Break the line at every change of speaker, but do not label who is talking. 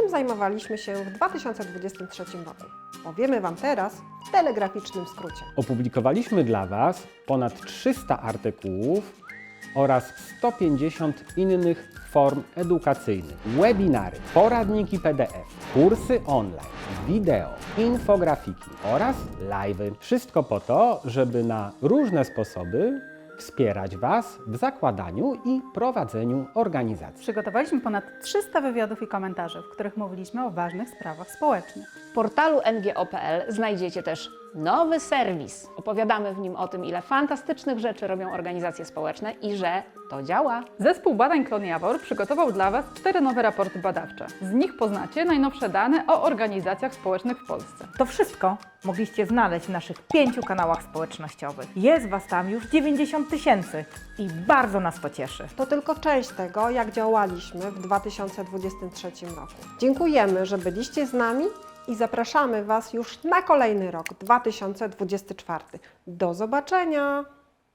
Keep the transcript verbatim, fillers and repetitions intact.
czym zajmowaliśmy się w dwa tysiące dwudziestym trzecim roku. Powiemy Wam teraz w telegraficznym skrócie.
Opublikowaliśmy dla Was ponad trzysta artykułów oraz sto pięćdziesiąt innych form edukacyjnych, webinary, poradniki P D F, kursy online, wideo, infografiki oraz live'y. Wszystko po to, żeby na różne sposoby wspierać Was w zakładaniu i prowadzeniu organizacji.
Przygotowaliśmy ponad trzysta wywiadów i komentarzy, w których mówiliśmy o ważnych sprawach społecznych.
W portalu N G O kropka P L znajdziecie też nowy serwis. Opowiadamy w nim o tym, ile fantastycznych rzeczy robią organizacje społeczne i że to działa.
Zespół badań Klon Jawor przygotował dla Was cztery nowe raporty badawcze. Z nich poznacie najnowsze dane o organizacjach społecznych w Polsce.
To wszystko mogliście znaleźć w naszych pięciu kanałach społecznościowych. Jest Was tam już dziewięćdziesiąt tysięcy i bardzo nas to cieszy.
To tylko część tego, jak działaliśmy w dwa tysiące dwudziestym trzecim roku. Dziękujemy, że byliście z nami i zapraszamy Was już na kolejny rok, dwa tysiące dwudziesty czwarty. Do zobaczenia!